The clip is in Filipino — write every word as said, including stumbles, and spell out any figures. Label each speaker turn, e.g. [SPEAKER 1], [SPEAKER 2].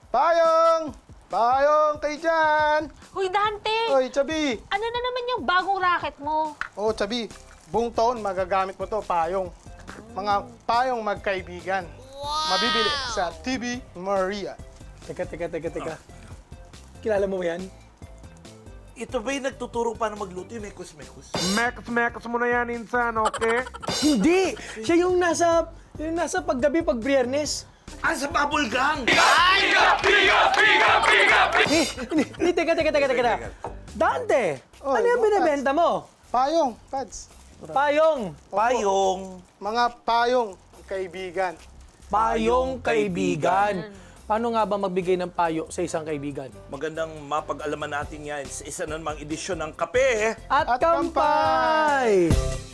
[SPEAKER 1] Payong! Payong kayo dyan!
[SPEAKER 2] Hoy, Dante!
[SPEAKER 1] Oy, Chabi!
[SPEAKER 2] Ano na naman yung bagong racket mo?
[SPEAKER 1] Oh, Chabi, buong taon magagamit mo to, payong. Mga payong magkaibigan. Mabibili sa T V Maria.
[SPEAKER 3] Teka, teka, teka, teka. Kilala mo ba yan?
[SPEAKER 4] Ito ba yung nagtuturo paano magluto yung mekos-mekos?
[SPEAKER 5] Mekas-mekas mo na yan, insan, okay?
[SPEAKER 3] Hindi! Siya yung nasa, yung nasa paggabi, pag Biyernes.
[SPEAKER 4] Ah, sa bubble gang!
[SPEAKER 3] Eh, hindi, hindi, teka, teka, teka, teka. Dante,
[SPEAKER 1] Oy,
[SPEAKER 3] ano yung
[SPEAKER 1] bukas.
[SPEAKER 3] binibenta mo?
[SPEAKER 1] Payong, Pads.
[SPEAKER 3] Payong.
[SPEAKER 4] Payong.
[SPEAKER 1] Mga payong kaibigan.
[SPEAKER 3] Payong kaibigan. Paano nga ba magbigay ng payo sa isang kaibigan?
[SPEAKER 4] Magandang mapag-alaman natin yan sa isa na namang edisyon ng Kape.
[SPEAKER 3] At,
[SPEAKER 1] At
[SPEAKER 3] kampay!